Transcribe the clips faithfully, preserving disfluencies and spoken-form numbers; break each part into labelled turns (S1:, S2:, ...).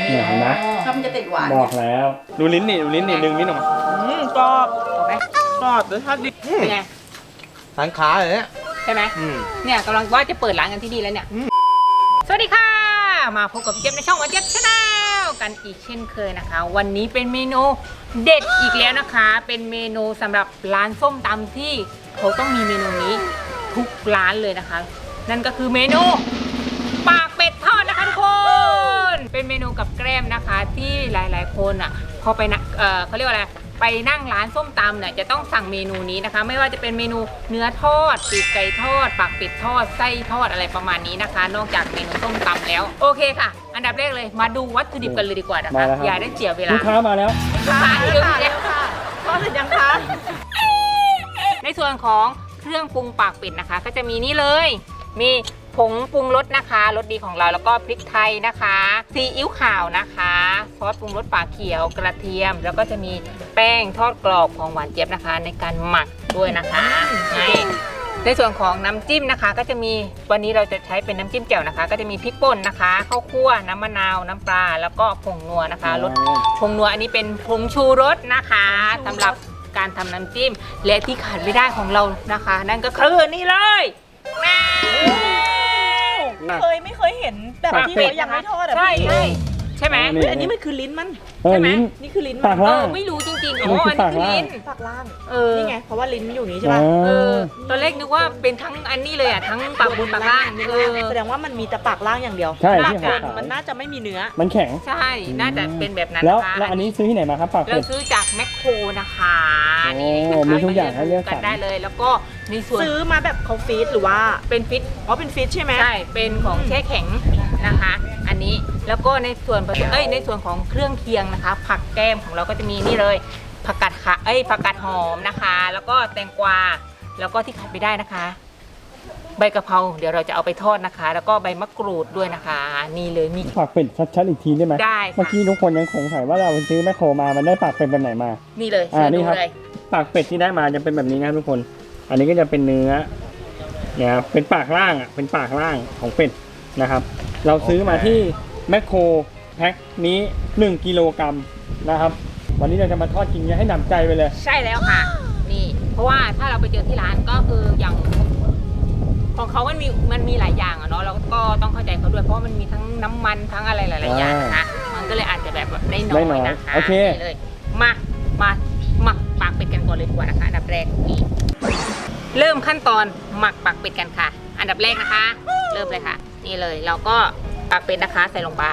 S1: เนี่ยเห็นไหม
S2: ชอบมันจะติดหวาน
S1: บอกแล้วดูลิ้นนี่ดูลิ้นนี่ดึงลิ้นออกมา
S3: อืมกรอบ
S2: ถูกไหม
S3: กรอบรสชาติดี
S2: เป็นไง
S4: ทานขาเลยเนี่ย
S2: ใช่ไหม
S4: อืม
S2: เนี่ยกำลังว่าจะเปิดร้านกันที่นี่แล้วเนี่ยสวัสดีค่ะมาพบกับพี่เจี๊ยบในช่องวันเจี๊ยบชาแนลกันอีกเช่นเคยนะคะ วันนี้เป็นเมนูเด็ดอีกแล้วนะคะ เป็นเมนูสำหรับร้านส้มตำที่เขาต้องมีเมนูนี้ทุกร้านเลยนะคะ นั่นก็คือเมนูปากเป็ดทอดนะคะทุกคนเป็นเมนูกับแกล้มนะคะที่หลายๆคนอ่ะพอไปนะเออเขาเรียกว่าอะไรไปนั่งร้านส้มตำเนี่ยจะต้องสั่งเมนูนี้นะคะไม่ว่าจะเป็นเมนูเนื้อทอดปีกไก่ทอดปากเป็ดทอดไส้ทอดอะไรประมาณนี้นะคะ นอกจากเมนูส้มตำแล้วโอเคค่ะ อันดับแรกเลยมาดูวัตถุดิบกันเลยดีกว่านะคะอย่าได้เสียเวลา
S1: ลูกค้ามาแล้ว
S2: ลูกค้าเยอะแยะ
S3: ทอดเสร็จยังคะ
S2: ในส่วนของเครื่องปรุงปากเป็ดนะคะ ก็จะมีนี่เลยมีผงปรุงรสนะคะรสดีของเราแล้วก็พริกไทยนะคะซีอิ๊วขาวนะคะซอสปรุงรสปลาเขียวกระเทียม แล้วก็จะมีแป้งทอดกรอบของหวานเจี๊ยบนะคะ ในการหมักด้วยนะคะในในส่วนของน้ำจิ้มนะคะ ก็จะมีวันนี้เราจะใช้เป็นน้ำจิ้มแจ่วนะคะ ก็จะมีพริกป่นนะคะข้าวคั่วน้ำมะนาวน้ำปลาแล้วก็ผงนัวนะคะรสผงนัวอันนี้เป็นผงชูรสนะคะสำหรับการทำน้ำจิ้มและที่ขาดไม่ได้ของเรานะคะ นั่นก็คือนี่เลยแม่
S3: เคยไม่เคยเห็นแบบที่เขายังไม่ทอดอ่ะ
S2: ใช่
S3: พี่
S2: ใช่ใช่ไหม
S3: เฮ้ยอันนี้มันคือลิ้นมัน
S1: เออลิ้น
S3: นี่คือลิ้น
S1: ปา
S3: มั
S1: ก
S3: น
S1: ล่าง
S2: เออไม่รู้จริงๆอ๋ออันนี้คือลิ้น
S3: ปากล่าง
S2: เออ
S3: นี่ไงเพราะว่าลิ้นอยู่นี้ใช่
S1: เอ
S3: ป่ะ
S2: เออ
S1: อ
S2: ตอนแรกนึกว่าเป็นทั้งอันนี้เลยอ่ะทั้งปากบนปากล่างเออ
S3: แสดงว่ามันมีแต่ปากล่างอย่างเดียว
S1: ใช่
S3: ปาก
S1: ที่
S3: บ
S1: ขาน
S3: มันน่าจะไม่มีเนื้อ
S1: มันแข็ง
S2: ใช่น่าจะเป็นแบบนั้น
S1: แล้ว
S2: นะคะ
S1: แล้วอันนี้ซื้อที่ไหนมาครับปาก
S2: เรา
S1: เป็ด
S2: ซื้อจากแมคโครนะคะ
S1: โอ้
S2: นี่
S1: มีทุกอย่างให้เลือกสรร
S2: กันได้เลย แล้วก็ในส่วน
S3: ซื้อมาแบบเขาฟีดหรือว่า
S2: เป็นฟิต
S3: อ๋อเป็นฟีดใช่ไหม
S2: ใช่ เป็นของแช่แข็งนะคะ อันนี้ แล้วก็ในส่วนผสมเอ้ย ในส่วนของเครื่องเคียงนะคะ ผักแก้มของเราก็จะมีนี่เลย ผักกาดขะเอ้ย ผักกาดหอมนะคะ แล้วก็แตงกวา แล้วก็ที่ขาดไม่ได้นะคะ ใบกะเพรา เดี๋ยวเราจะเอาไปทอดนะคะ แล้วก็ใบมะกรูดด้วยนะคะ นี่เลย มี
S1: ปากเป็ดชัดๆอีกทีได้ไหม
S2: ได้ค่ะ
S1: เมื่อกี้ทุกคนยังสงสัยว่าเราไปซื้อแมคโครมามันได้ปากเป็ดแบบไหนมา
S2: นี่เลย
S1: อ่า
S2: เชิญ
S1: นี่
S2: ดู
S1: ครับ
S2: เลย
S1: ปากเป็ดที่ได้มาจะเป็นแบบนี้นะครับทุกคน อันนี้ก็จะเป็นเนื้อเนี่ยครับเป็นปากล่างอ่ะ เป็นปากล่างของเป็ดนะครับ เราซื้อมาที่แมคโครแพ็คนี้หนึ่งกิโลกรัมนะครับ วันนี้เราจะมาทอดกินกันให้หนำใจไปเลย
S2: ใช่แล้วค่ะ นี่ เพราะว่าถ้าเราไปเจอที่ร้านก็คืออย่างของเขามันมีมันมีหลายอย่างอะเนาะเราก็ต้องเข้าใจเขาด้วยเพราะมันมีทั้งน้ำมันทั้งอะไรหลายๆอย่างนะคะมันก็เลยอาจจะแบบได้น้
S1: ได้
S2: อย
S1: น้อย
S2: นะคะ
S1: โอเค
S2: นี่เลยมามาหมักปากเป็ดกันก่อนเลยดีกว่านะคะอันดับแรกนี่เริ่มขั้นตอนหมักปากเป็ดกันค่ะ อันดับแรกนะคะ เริ่มเลยค่ะ นี่เลยเราก็ปากเป็ดนะคะใส่ลงไป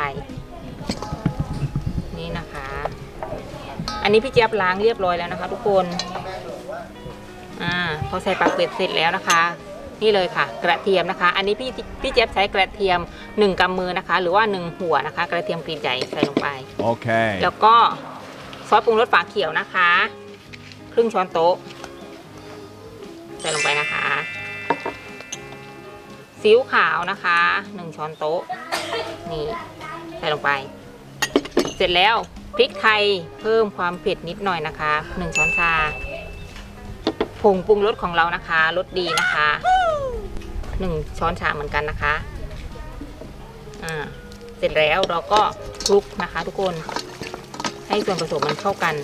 S2: นี่นะคะ อันนี้พี่เจี๊ยบล้างเรียบร้อยแล้วนะคะ ทุกคนอ่าพอใส่ปากเป็ดเสร็จแล้วนะคะนี่เลยค่ะ กระเทียมนะคะ อันนี้พี่พี่เจี๊ยบใช้กระเทียมหนึ่งกำมือนะคะ หรือว่าหนึ่งหัวนะคะ กระเทียมกรีดใหญ่ใส่ลงไป
S4: โอเค
S2: แล้วก็ซอสปรุงรสฝาเขียวนะคะครึ่งช้อนโต๊ะใส่ลงไปนะคะซีอิ๊วขาวนะคะหนึ่งช้อนโต๊ะนี่ใส่ลงไป เสร็จแล้วพริกไทยเพิ่มความเผ็ดนิดหน่อยนะคะหนึ่งช้อนชาผงปรุงรสของเรานะคะรสดีนะคะหนึ่งช้อนชาเหมือนกันนะคะอ่าเสร็จแล้วเราก็คลุกนะคะทุกคนให้ส่วนผสมมันเข้ากัน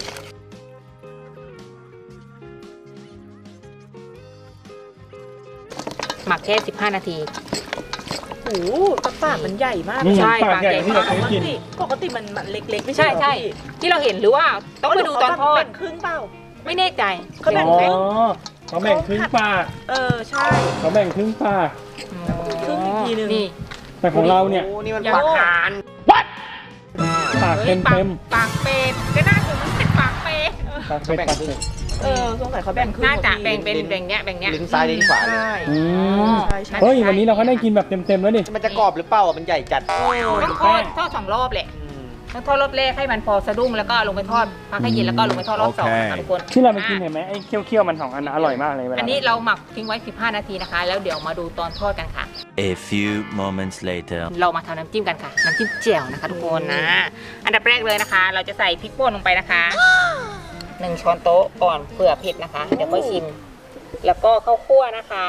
S2: หมักแค่สิบห้านาที
S3: โอ้โหปากปากมันใหญ่มาก
S1: นี่
S2: ใช่
S1: ปากใหญ่ที่เราเค
S3: ป
S1: ย
S3: ก
S1: กิน
S3: ติปกติมันมันเล็กๆไม่
S2: ใช่
S3: ใช่
S2: ใช่ที่เราเห็นหรือว่าต้องไปดูตอนทอด
S3: แบ่งครึ่งเปล่า
S2: ไม่แน่ใจ
S3: เขาแบ่ง
S1: อ๋อ
S3: ครึ่ง
S1: เขาแบ่งครึ่งปาก
S3: เออใช่
S1: เขาแบ่งครึ่งปาก
S3: ครึ่งอีกทีหนึ่ง
S2: นี่
S1: แต่ของเราเนี่ย
S4: โอ้นี่มัน
S2: ยัง
S4: ปากหาน
S1: ปาก
S2: ฮ้
S1: เต็
S2: ย
S1: ม
S2: ปาก
S1: เต็ม
S2: ปากเป็ดก็น่าจะมันเป็นปากเป็ด
S1: ปากเป็ดปากเป็ด
S3: เออสงสัยเขาแบ่งครึ่ง
S2: น่าจะ
S3: พอดี
S2: แบ่งเป็นแบ่งเนี้ยแบ่งเนี้ย
S4: ลิ้นซ้ายลิ้นขวาเลย
S3: ใช่
S1: อืม
S3: ใช่ใช่
S1: เฮ้ยวันนี้เราก็ได้กินแบบเต็มๆแล้วดิ
S4: มันจะกรอบหรือเปล่าอ่ะมันใหญ่จัด
S2: ต้องทอดทอดสองรอบแหละ
S4: อืม
S2: ต้องทอดรอบแรกให้มันพอสะดุ้งแล้วก็ลงไปทอดพักให้เย็นแล้วก็ลงไปทอดรอบสองนะคะทุกคน
S1: ที่เราไปกินเห็นไหมไอ้เคี้ยวๆมันสองอันนะอร่อยมากเลยเวลา
S2: อันนี้เราหมักทิ้งไว้สิบห้านาทีนะคะ แล้วเดี๋ยวมาดูตอนทอดกันค่ะ
S5: A few moments later.
S2: เรามาทำน้ำจิ้มกันค่ะ น้ำจิ้มแจ่วนะคะทุกคนนะ อันดับแรกเลยนะคะ เราจะใส่พริกป่นลงไปนะคะหนึ่งช้อนโต๊ะก่อนเผื่อเผ็ดนะคะ เดี๋ยวค่อยชิม แล้วก็ข้าวคั่วนะคะ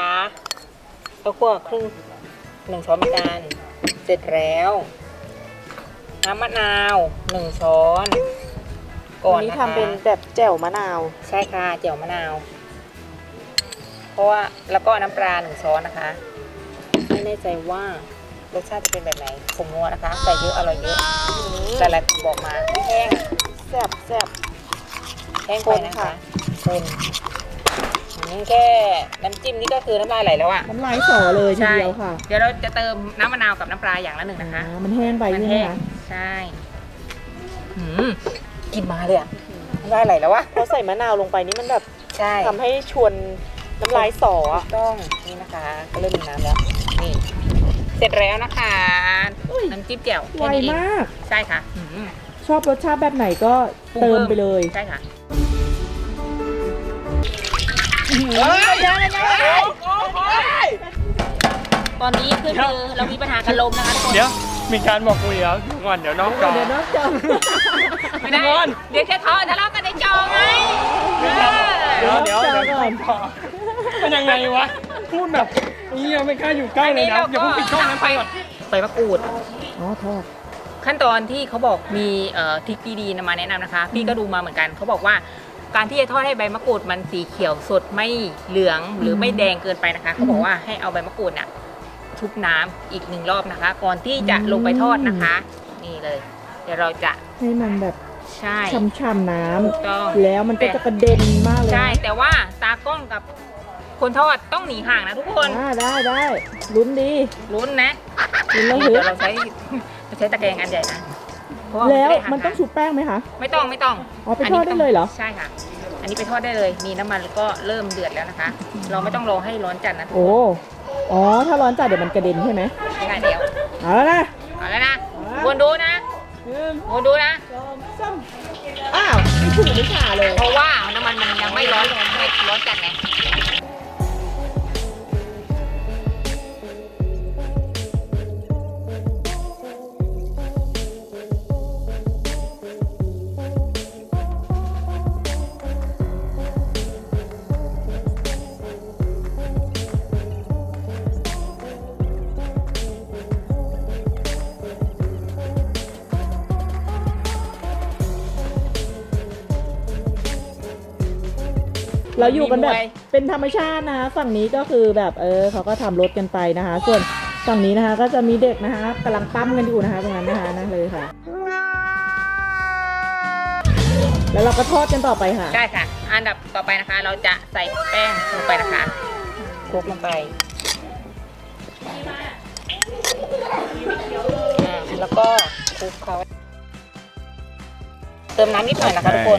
S2: ข้าวคั่วครึ่งหนึ่งช้อนเหมือนกันเสร็จแล้วน้ำมะนาวหนึ่งช้อนก่อ
S3: วัน นนี้
S2: นะคะ
S3: ทำเป็นแบบแจ่วมะนาว
S2: ใช่ค่ะเจียวมะนาว เพราะว่าแล้วก็น้ำปลาหนึ่งช้อนนะคะไม่แน่ใจว่ารสชาติจะเป็นแบบไหนผมงัวนะคะใส่เยอะอร่อยเยอะแต่ละบอกมาแห้ง
S3: แซ่บแซ่บ
S2: แห้งไปนะคะคนอืมแค่น้ำจิ้มนี่ก็คือน้ำลายไหลแล้วอ่ะ
S3: น้ำลายสอเลยที
S2: ใช่
S3: เดียวค่ะ
S2: เดี๋ยวเราจะเติมน้ำมะนาวกับน้ำปลาอย่างละหนึ่งนะคะ
S3: อ่ามันแห้งไป
S2: มัน
S3: ใช่ไหม
S2: แห้ง
S3: คะ
S2: ใช่หืมกลินมาเลยอ่ะน้ำลายไหลแล้ววะ
S3: พอใส่มะนาวลงไปนี่มันแบบ
S2: ใช่
S3: ทำให้ชวนน้ำลายสอ
S2: ถู
S3: อะ
S2: กต้องนี่นะคะก็เริ่มมีน้ำแล้วนี่เสร็จแล้วนะคะน้ำจิ้มแจ่ว
S3: ไว
S2: แค่นี้เอง
S3: มาก
S2: ใช่ค่ะหืม
S3: ชอบรสชาติแบบไหนก็เติมไปเลย
S2: ใช่ค่ะ ตอนนี้คือคือเรามีปัญหากันลมนะคะทุกคน
S1: เดี๋ยวมีการบอกคุยแล้วเดี๋ยวก่อนเดี๋ยวน้องจอ
S3: เดี๋ยวน้องจอม
S2: ไม่ได้เดี๋ยวจะทะทะเลาะกันในจอไงเออ
S1: เดี๋ยวเดี๋ยวเดี๋ยวก่อนมันยังไงวะพูดแบบนี้ยังไม่กล้าอยู่ใกล้เลยนะอย่าเพิ่งปิดช่องนั้นไปก่อน
S2: ใบมะกรูด
S3: อ๋อทอด
S2: ขั้นตอนที่เขาบอกมีเอ่อทริคดีๆนำมาแนะนำนะคะ พี่ก็ดูมาเหมือนกันเขาบอกว่าการที่จะทอดให้ใบมะกรูดมันสีเขียวสดไม่เหลืองหรือไม่แดงเกินไปนะคะเขาบอกว่าให้เอาใบมะกรูดน่ะชุบน้ำอีกหนึ่งรอบนะคะ ก่อนที่จะลงไปทอดนะคะ นี่เลย เดี๋ยวเราจะ
S3: ให้มันแบบ
S2: ใช่
S3: ช่ำๆน้
S2: ถูกต้อง
S3: ำแล้วมันก็จะกระเด็นมากเลย
S2: ใช่
S3: นะ
S2: แต่ว่าตากล้องกับคนทอดต้องหนีห่างนะทุกคน
S3: อ่าได้ได้ลุ้นดี
S2: ลุ้นนะ
S3: ลุ้นแล้ว
S2: นี่
S3: ฮึ
S2: เดี๋ยวเราใช้เราใช้ตะแกรงอันใหญ่นะเพราะา
S3: แล้ว
S2: ไได้ห่า
S3: มันต้องชุบแป้งไหมคะ
S2: ไม่ต้องไม่ต้อง
S3: อ๋อไปทอดได้เลยเหรอ
S2: ใช่ค่ะ อันนี้ไปทอดได้เลยนี่น้ำมันก็เริ่มเดือดแล้วนะคะ เราไม่ต้องรอให้ร้อนจัดนะทุก
S3: โอ้
S2: คน
S3: อ๋อถ้าร้อนจัดเดี๋ยวมันกระเด็นใช่ไหม
S2: ใช่เดี๋ยว
S3: เอาแล้วนะ
S2: เอาแล้วนะวนดูนะ
S3: หนึ่ง
S2: วนดูนะ
S3: สองสามอ้าวไม่ถูกไม่ขาเลย
S2: เพราะว่าน้ำมันมันยังไม่ร้อนไม่ร้อนจัดไง
S3: เราอยู่กันแบบเป็นธรรมชาตินะคะฝั่งนี้ก็คือแบบเออเขาก็ทำรถกันไปนะคะ ส่วนฝั่งนี้นะคะก็จะมีเด็กนะคะกำลังปั้มกันอยู่นะคะตรงนั้นนะคะนั่นเลยค่ะ แล้วเราก็ทอดกันต่อไปค่ะ
S2: ได้ค่ะ อันดับต่อไปนะคะ เราจะใส่แป้งลงไปนะคะคลุกลงไปอ่าแล้วก็คลุกเขาเติมน้ำนิดหน่อยนะคะทุกคน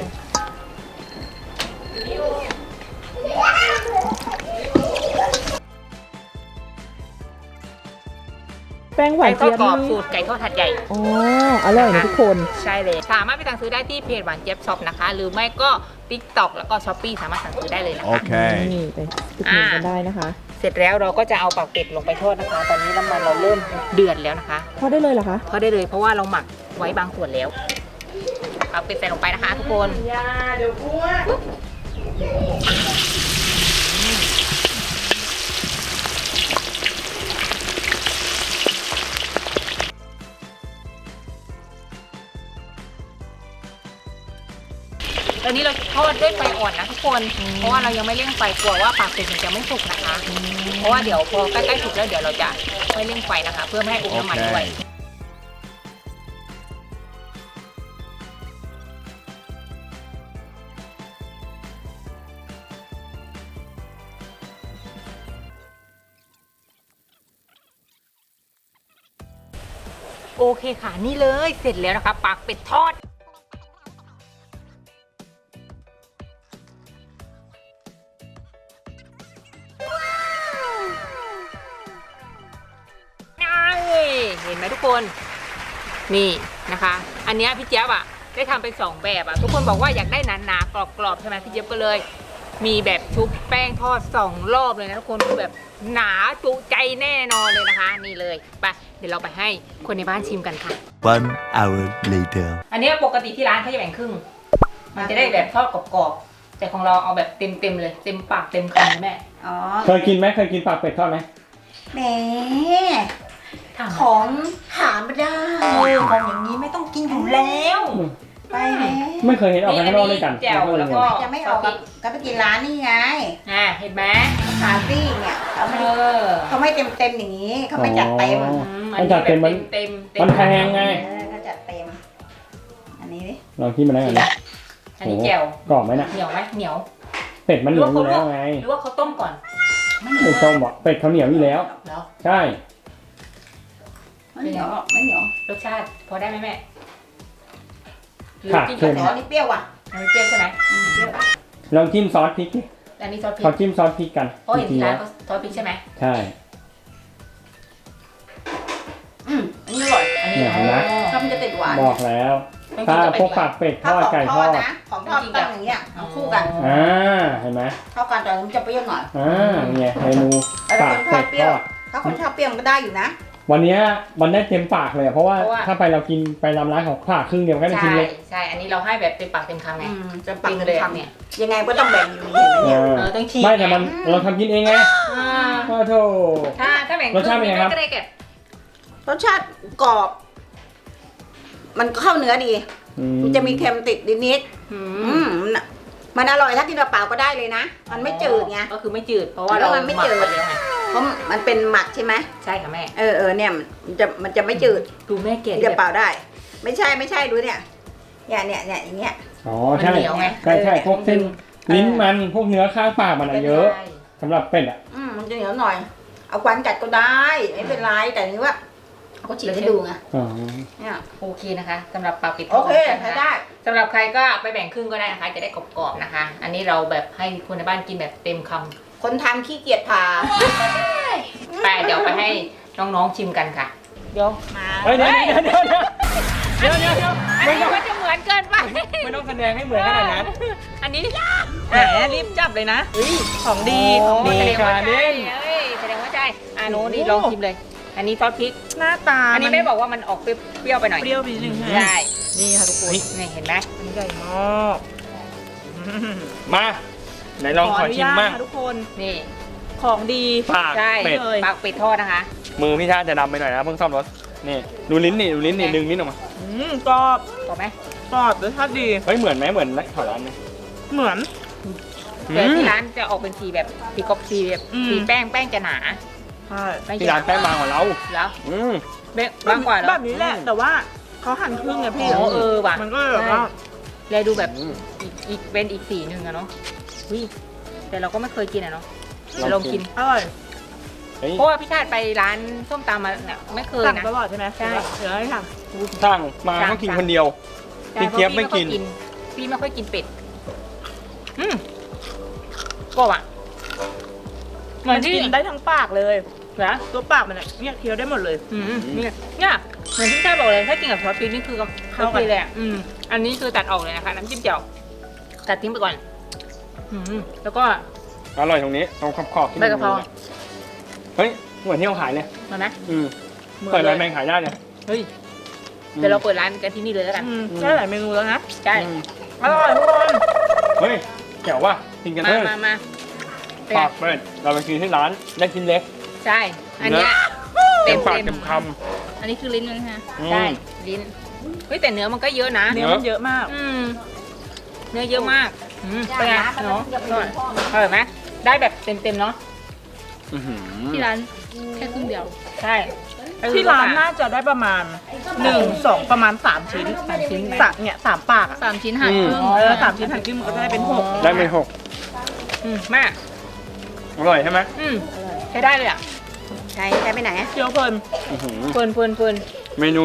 S3: แป้งหวา
S2: ไก่
S3: น
S2: ทอด
S3: เจี๊ยบ
S2: กรอบ
S3: นี่
S2: สูตรไก่ทอดหัดใหญ่
S3: อ๋ออร่อยนะทุกคน
S2: ใช่เลยสามารถไปสั่งซื้อได้ที่เพจหวานเจี๊ยบช็อปนะคะ หรือไม่ก็ TikTok แล้วก็ Shopee สามารถสั่งซื้อได้เลยนะคะ
S5: Okay.
S3: นี่ไปติดมือกันได้นะคะ
S2: เสร็จแล้วเราก็จะเอาปากเป็ดลงไปทอดนะคะ ตอนนี้น้ำมันเราเริ่มเดือดแล้วนะคะ
S3: ทอดได้เลยเหรอคะ
S2: ทอดได้เลยเพราะว่าเราหมักไว้บางส่วนแล้วปากเป็ดใส่ลงไปนะคะ ทุกคน
S3: ยาเดี๋ยวกลัว
S2: ตอนนี้เราทอดด้วยไฟอ่อนนะทุกคน เพราะว่าเรายังไม่เร่งไฟกลัวว่าปากเป็ดมันจะไม่สุกนะคะ เพราะว่าเดี๋ยวพอใกล้ๆสุกแล้วเดี๋ยวเราจะไม่เร่งไฟนะคะ เพื่อไม่ให้อมน้ำมันด้วย
S5: Okay.
S2: โอเคค่ะนี่เลยเสร็จแล้วนะคะปากเป็ดทอดเห็นไหมทุกคนนี่นะคะ อันเนี้ยพี่เจี๊ยบอ่ะได้ทำเป็นสองแบบอ่ะทุกคนบอกว่าอยากได้หนาๆกรอบๆใช่ไหมพี่เจี๊ยบก็เลย มีแบบชุบแป้งทอดสองรอบเลยนะทุกคนคือแบบหนาจุใจแน่นอนเลยนะคะ นี่เลยไปเดี๋ยวเราไปให้คนในบ้านชิมกันค่ะ
S5: One hour later.
S2: อันนี้ปกติที่ร้านเขาจะแบ่งครึ่ง มันจะได้แบบทอดกรอบๆแต่ของเราเอาแบบเต็มๆเลย เต็มปากเต็มคำเลยแม่
S6: อ๋อ
S1: เคยกินไหมเคยกินปากเป็ดทอดไหม
S6: แหม
S2: ถาม
S6: ของหาไม่ได้ของอย่างนี้ไม่ต้องกินอยู่แล้ว ไปแล้ว
S1: ไม่เคยเห็นออกไปข้างนอกด้วยกัน
S2: แจ่วแล้วก็
S6: จะไม่ออกกับก็ไปกินร้านนี่ไง
S2: อ่าเห็นไหม
S6: คาฟี่เนี่ยเขาไม่
S2: เออ
S6: เขาไม่เต็มเต็มๆอย่างนี้เขาไม่จัดเต็ม
S1: อ๋อ
S2: อื
S1: มันจัดเต็มมัน
S2: เต็มเต็
S1: มันแพงไง
S6: เออเขาจัดเต็ม อันนี้ดิ
S1: ลองคิดมาได้กันนะ
S2: อันนี้แจ่ว
S1: กรอบไหมน่ะ
S2: เหนียวไหมเหนียว
S1: เป็ดมันเหนียวอยู่แล้วไง
S2: หรือว่าเขาต้มก่อน
S6: ไม่เหนี
S1: เป็
S6: ย
S1: ด
S6: ว
S1: ต้มบอกเป็ดเขาเหนียวอยู่แล้ว
S2: เหรอ
S1: ใช่
S6: ไม่เหนียวหรอกไม่เหนียว
S2: รสชาติพอได้ไหมแม่หรือ
S1: ค่ะ
S2: กิน
S1: เชิ
S2: กับ
S1: ญ
S2: ซอ
S6: อั
S2: ส
S6: นนี้เปรี้ยวว่ะ
S2: อันนี้เปรี้ยวใช่ไหม
S6: อืมเปรี้ยว
S1: ลองจิ้มซอสพริกดิ
S2: อันนี้ซอสพริ
S1: เขา
S2: ก
S1: จิ้มซอสพริกกัน
S2: เพราะเห็น
S1: จริ
S2: ที่
S1: งๆ
S2: ร้า
S1: แล้
S2: น
S1: ว
S2: เขาซอสพริกใช่ไหม
S1: ใช่
S6: อืมอันนี้อร่อย
S2: อันนี้
S1: เนี่ยเห็นไหม
S6: ถ้ามันจะติดหวาน
S1: บอกแล้ว
S2: ต้องกิ
S1: ถ้าน
S2: กับ
S1: พวกปากเป็ดท
S6: ถ้า
S1: อด
S6: ของ
S1: ไก่
S6: ท
S1: ท
S6: อ
S1: อ
S6: ด
S1: ด
S6: นะของทอดต้องอย่างเงี้ยเอาคู่กัน
S1: อ่าเห็นไหม
S6: เข้ากันแต่มันจะเปรี้ยวหน่อย
S1: อ่าเนี่ยเมนู
S6: แต่ถ้า
S1: ปา
S6: ค
S1: ก
S6: นช
S1: เป็
S6: อบ
S1: ด
S6: เปรี้ยว
S1: ทอด
S6: ถ้าคนชอบเปรี้ยวมันก็ได้อยู่นะ
S1: วันเนี้ยมันได้เต็มปากเลยอะเพราะว่าถ้าไปเรากินไปรำร้านของผ่าครึ่งเดียวก็ได้
S2: ใช่
S1: ชิ้นเล็ก
S2: ใช่ อันนี้เราให้แบบเต็มปากเต็มคำไง
S6: อืมจะปัก
S2: กิน
S6: เป็น
S2: เลย
S6: คำ
S2: เนี่ย
S6: ยังไงก็ต้องแบ่งอยู่ดีเห็นไหม
S1: เอ
S6: เนี่ย
S1: อ
S2: เออต้องฉีก
S1: ไม่แต่มันเราทำกินเองไง
S2: อ่า
S1: โอ้โถ
S2: ถ้าถ้าแบ่ง
S1: รสชาติเป็นไงครับ
S2: ก็ได้เก็บ
S6: รสชาติกรอบ มันเข้าเนื้อดี
S1: อื
S6: มันจะมีเค็มติดนิด
S2: อื
S6: ๆอื
S2: ม
S6: มมันมันอร่อยถ้ากินเปล่าๆก็ได้เลยนะ มันไม่จืดไง
S2: ก็คือไม่จืด เพราะว่า
S6: แล้
S2: เรา
S6: วมันไม่จืด
S2: หกปแล้วไง
S6: เพราะมันเป็นหมักใช่ไหม
S2: ใช่ค่ะแม่
S6: เออเออเนี่ยมันจะมันจะไม่จืด
S2: ดูแม่เก
S6: กิ
S2: ด
S6: นเปล่าๆได้ ไม่ใช่ไม่ใช่ดูเนี่ยเนี่ยเนี่ยเนี่ยอย่างเงี้ย
S1: อ๋อ
S2: มัน
S1: ใช่
S2: เหนียวไง
S1: ใช่ใช่พวกเส้นลิ้นมันพวกเนื้อข้างปากมันอะเยอะ
S2: ใช่
S1: สำหรับเป็ดอ่ะ
S6: อืมมันจะเหนียวหน่อย เอาควันกัดก็ได้ไม่เป็นไรแต่นี่ว่าเขาก็ฉีกให้ดูไง
S1: อ๋อ
S6: เนี่ย
S2: โอเคนะคะสำหรับปลาปิด
S6: โอเค
S2: ทดนะ
S6: ใช้
S2: คะ
S6: ได้
S2: สำหรับใครก็ไปแบ่งครึ่งก็ได้นะคะ จะได้กรอบๆนะคะ อันนี้เราแบบให้คนในบ้านกินแบบเต็มคำ
S6: คนทำขี้เกียจผ่า
S2: ไปเดี๋ยวไปให้น้องๆชิมกันค่ะ เดี๋ยวมา
S1: เฮ้ยเดี๋ยวเดี๋ยวเดี๋ยวเดี๋ยวเดี๋ยวเดี๋ยว
S2: อันนี้มันจะเหมือนเกินไป
S1: ไม่ต้องแสดงให้เหมือนขนาดนั้น
S2: อันนี้
S3: แหมรีบจับเลยนะของดี
S1: โอ้
S3: ของดี
S2: แสดงว่า
S1: ค่ะเล่
S2: ใช่
S1: น
S2: เอ้ยแสดงว่าใช่อ่ะโน้ตนี่ลองชิมเลย อันนี้ซอสพริก
S3: หน้าตา
S2: อันนี้
S3: มั
S2: แม่บอกว่ามันออกเปรี้ยวๆไปหน่อย
S3: เปรี้ยวไปนิดนึง
S2: ใช่
S3: นี่ค่ะทุกคน
S2: นี่เห็นไหม
S3: อันนี้ใหญ่มาก
S1: มาไหนลองขอชิม
S3: นุญ
S1: บ้าง
S3: ตค่ะทุกคน
S2: นี่
S3: ของดี
S1: ปาก
S2: ใช่
S1: เป็ด
S3: เลย
S2: ปากเป็ดทอดนะคะ
S1: มือพี่ชาติจะดำไปหน่อยนะเพิ่งซ่อมรถนี่ดูลิ้นนี่ดูลิ้นนี่ดึงลิ้นออกมา
S3: อืมกรอบ
S2: กรอบไหม
S3: กรอบรสชาติดี
S1: เฮ้ยเหมือนไหมเหมือนแถวร้านไหม
S3: เหมือน
S2: แต่ที่ร้านจะออกเป็นสีแบบสีกรอบสีแบบ
S3: อืม
S2: สีแป้งแป้งจะหนา
S3: ใช่
S2: ไม่
S1: ที่ร้านแป้งบางกว่าเรา
S2: แล้ว
S1: อืม
S2: เบ๊ะบางกว่าเหรอ
S3: แบบนี้แหละ แต่ว่าเขาหั่นครึ่งไงพี่
S2: อ๋อเออว่ะ
S3: มันก็เลยแบบว่า
S2: เลยดูแบบ
S1: อืม
S2: อีกอีกเป็นอีกสีหนึ่งอะเนาะวิแต่เราก็ไม่เคยกินอะเนาะ
S1: ลอง
S2: ลองกิน
S3: อร่อย
S1: เฮ้ย
S2: เพราะว่าพี่ชาติไปร้านส้มตำมาเนี่ยไม่เคย
S3: สั่ง
S2: นะ
S3: ตลอดใช่ไหม
S2: ใช่
S3: เดี๋ยวให้ท
S1: สั่งมาก็กินคนเดียว
S2: ใช่
S1: พี่เจี๊ยบไม่กิน
S2: เพราะพี่ไม่ค่อยกินเป็ดอืมกรอบอะเห
S3: ำ
S2: มือน
S3: มัน
S2: ที่
S3: กินได้ทั้งปากเลย
S2: นะ
S3: ตัวปากมันเนี่ยเคี้ยวได้หมดเลย
S2: อืมเนี่ยเนี่ยเหมือนที่ชาติบอกเลยถ้ากินกับซอสพริกนี่คือ
S3: เข้า
S2: เข้า
S3: กัน
S2: กันเลยอะอืมอันนี้คือตัดออกเลยนะคะน้ำจิ้มเจียวตัดทิ้งไปก่อนอืมแล้วก็
S1: อร่อยตรงนี้ตรงขอบขอบๆที่
S2: ใบกะเพรา
S1: เฮ้ยเหมือนที่เราขายเลย
S2: มาไหม
S1: อืม
S2: หมือน
S1: เปิดร้าน
S2: ล
S1: แบ
S2: ย
S1: งขายได้เลย
S2: เฮ้ยเดี๋ยวเราเปิดร้านกันที่นี่เลยแล้วกัน
S3: อืมได้หลายเมนูแล้วนะ
S2: ใช่
S1: อืม
S3: อร่อยทุกคน
S1: เฮ้ยแจ๋วว่ะกินกัน
S2: มา
S1: เถอะ
S2: มามาเป็นไง
S1: ปากเป็ดเราไปกินที่ร้านได้ชิ้นเล็ก
S2: ใช่ อันเนี้ย
S1: เต็
S2: เต็
S1: ม
S2: ม
S1: ปาก
S2: เต็
S1: เต็
S2: ม
S1: มค
S2: อันนี้คือลิ้นมันใช่ไหม
S1: อืม
S2: ใช่ลิ้นเฮ้ยแต่เนื้อมันก็เยอะนะ
S3: เนื้อมันเยอะมาก
S2: อืมเนื้อเยอะมากอืม
S6: ย่า
S2: เป็นไง
S6: น้ำมัน
S2: เนาะ
S6: จะไปดูพ่อ
S2: อร่อยไหมได้แบบเต็มเต็มๆเนาะ
S1: ำอื้อหือ
S2: ที่ร้านแค่ครึ่งเดียวใช่
S3: ที่ร้านน่าจะได้ประมาณหนึ่งสองประมาณสามชิ้น
S2: สามชิ้น
S3: สามเนี่ยสามปากอะ
S2: สามชิ้นหั่นครึ่ง
S3: เออสามชิ้นหั่นครึ่งมันก็จะได้เป็นหก
S1: ได้ไม่หก
S2: อืมแม่
S1: อร่อยใช่ไหม
S2: อืมใช้ได้เลยอ่ะ
S6: ใช้ใช้ไปไหนอะ
S3: เคี้ยวเพลิน
S1: อื้อหือ
S2: เฟิร์นเฟิร์นเฟิร์น
S1: เมนู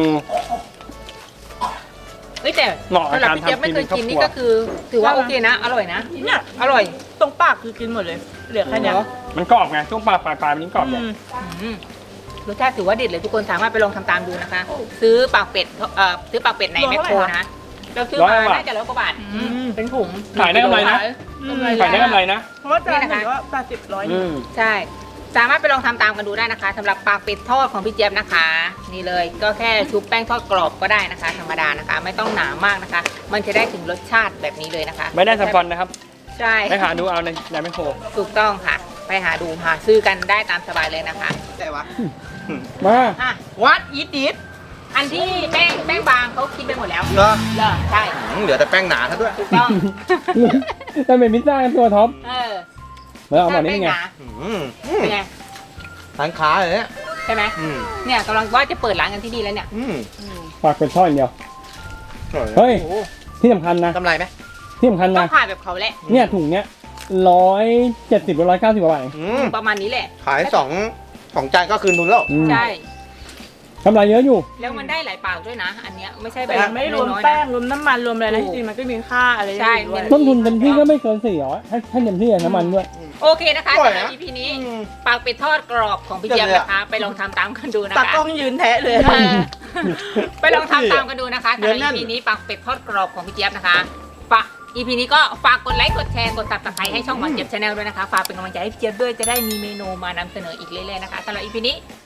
S2: เอ้ยแต่
S1: เหมาะกับ
S2: สำหรับ
S1: การ
S2: พี่เจี๊ยบ
S1: ทำ
S2: ไม่เคย
S1: กิ
S2: กิ
S1: น
S2: น
S1: ใน
S2: นี่
S1: ครอบครัว
S2: ก็คือ ถือว่าโอเคนะ อร่อยนะ
S3: เนี่ย
S2: อร่อย
S3: ตรงปากคือกินหมดเลย เหลือแค่เนี้ย
S2: เหรอ
S1: มันกรอบไงช่วงปลายปลายปลายมันยิ่งกรอบใหญ่
S3: อืม
S2: อืมรสชาติถือว่าเด็ดเลยทุกคนสามารถไปลองทำตามดูนะคะ ซื้อปากเป็ดเอ่อซื้อปากเป็ดในแมคโครนะเราซื้อมาน่าจะร้อยกว่าบาทอืมเป็นถุง
S1: ขายได้กำไรนะ
S3: อืม
S1: ขายได้กำไรนะ
S3: เพราะว่าจาน
S2: นี่
S3: ห
S2: นะคะ
S3: นึ่งก็แปดสิบร้อย
S1: อืม
S2: ใช่ สามารถไปลองทำตามกันดูได้นะคะสำหรับปากเป็ดทอดของพี่เจี๊ยบนะคะ นี่เลยก็แค่ชุบแป้งทอดกรอบก็ได้นะคะ ธรรมดานะคะ ไม่ต้องหนามากนะคะ มันจะได้ถึงรสชาติแบบนี้เลยนะคะ
S1: ไม่ได้สปอนนะครับ
S2: ใช่
S1: ไปหาดูเอาในในแมคโคร
S2: ถูกต้องค่ะ ไปหาดูหาซื้อกันได้ตามสบายเลยนะคะ
S4: แต่ว่า
S1: มา
S2: อ่ะ
S4: วัดอีทดิด
S2: อันที่แป้งแป้งบางเขาคิดไปหมดแล้ว
S4: เหรอ
S2: เหรอใช่
S4: อืมเหลือแต่แป้งหนาซะด้วย
S2: ถูกต้อง
S1: แต่เป็นพิซซ่ากันตัวท็อป
S2: เออ
S1: เมื่อเอาหมดนี้
S2: แป้
S1: เป็น
S2: ง
S1: ไง
S2: หนา
S4: อืมอืม
S2: เป็นไง
S4: ร้านค้าเลยเนี่ย
S2: ใช่ไหม
S4: อืม
S2: เนี่ยกำลังว่าจะเปิดร้านกันที่นี่แล้วเนี่ย
S4: อืม
S2: อืม
S1: ปากเป็นท่ออย่างเดียว
S4: อร่อ
S1: เฮ้ย
S2: โอ้โห
S1: ที่สำคัญนะ
S4: กำไรไหม
S1: ที่สำคัญ
S2: ต้อ
S1: นะ
S2: งผ่านแบบเขาแหละ
S1: เนี่ยถุงเนี้ยร้อยเจ็ดสิบหรือร้อยเก้าสิบบาทเอง
S4: อืม
S2: ประมาณนี้แหละ
S4: ขายสองสองจานก็คืนทุนแล้ว
S1: อืม
S2: ใช่
S1: กำไรเยอะอยู่
S2: แล้วมันได้หลายปากด้วยนะ อันเนี้ยไม่ใช่แบ
S3: แต่
S2: บ
S3: ยังไม่รวม
S2: น้อยๆนะ
S3: แป้งรวมน้ำมันรวมอะไรนะจริงๆมันก็มีค่าอะไร
S2: ใช่
S3: อยู่ด้วย
S1: ต้นทุนเต็มที่ก็ไม่เกินสี่ร้อยให้ให้เต็มที่อะน้ำมันด้วย
S2: โอเคนะคะ
S4: อร่อย
S2: สำหรับ
S4: นะ
S2: อี พี นี้
S4: อืม
S2: ปากเป็ดทอดกรอบของพี่เจี๊ยบนะคะ ไปลองทำตามกันดูนะ
S3: ตา
S2: คะ
S3: กล้องยืนแทะเลย
S2: เออไปลองทำตามกันดูนะคะสำหรับ
S4: เนื้อแน่
S2: อี
S4: น
S2: พีนี้ปากเป็ดทอดกรอบของพี่เจี๊ยบนะคะฝากอีพีนี้ก็ฝากกดไลค์กดแชร์กดตับตะไคร้ให้ช่องหวานเจี๊ยบชาแนลด้วยนะคะฝากเป็นกำลังใจให้พี่เจี๊ยบด้วยจะได้มีเมนูมานำเสนออีกเรื่อยๆนะคะสำหรับอีพีนี้